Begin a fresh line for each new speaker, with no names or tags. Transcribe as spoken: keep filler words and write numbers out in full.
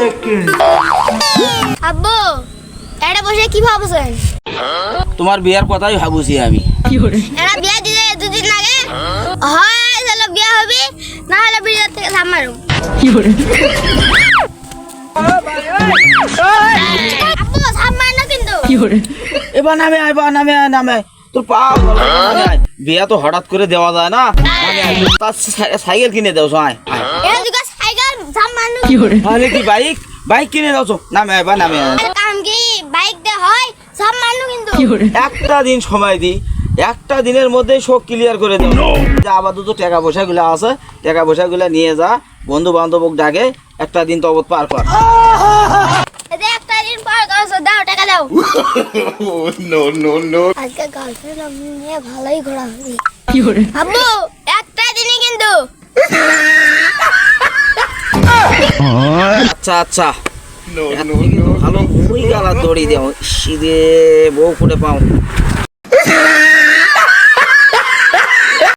আব্বু এটা বসে কি ভাবছেন?
তোমার বিয়ার কথাই ভাবুছি আমি।
এরা বিয়া দিলে দুদিন আগে হয় চলো বিয়া হবে না হলে বিয়ে থেকে থামারো। আব্বু থামার না কিন্তু।
এবার নামে আয়, এবার নামে আয়, নামে আয়। তোর পা নামে আয়। বিয়া তো হঠাৎ করে দেওয়া যায় না। নামে আয়। তার সাই- সাইকেল কিনে দেও আয়।
এরা দুটো সাইকেল থামার না।
তাহলে কি বাইক বাইক কিনে দাও চো। নামে আয়, এবার নামে আয়।
আর কাম কি বাইক দে হয় থামার না কিন্তু।
একটা দিন সময় দি, একটা দিনের মধ্যে সব ক্লিয়ার করে দেবো। যে আপাতত টাকা পয়সা গুলা আছে, টাকা পয়সা গুলা নিয়ে যা, বন্ধু বান্ধব ডাকে, একটা দিন তবত পার কর।
এতে একটা দিন পর করছো দাও টাকা দাও।
no, no, no.
আজকে গার্লফ্রেন্ড আমি নিয়ে ভালোই ঘোরা হবে। আব্বু একটা দিনই কিন্তু।
আচ্ছা আচ্ছা
No, no, no.
ভালো ওই গালা দড়ি দেও, সিধে বউ করে পাও।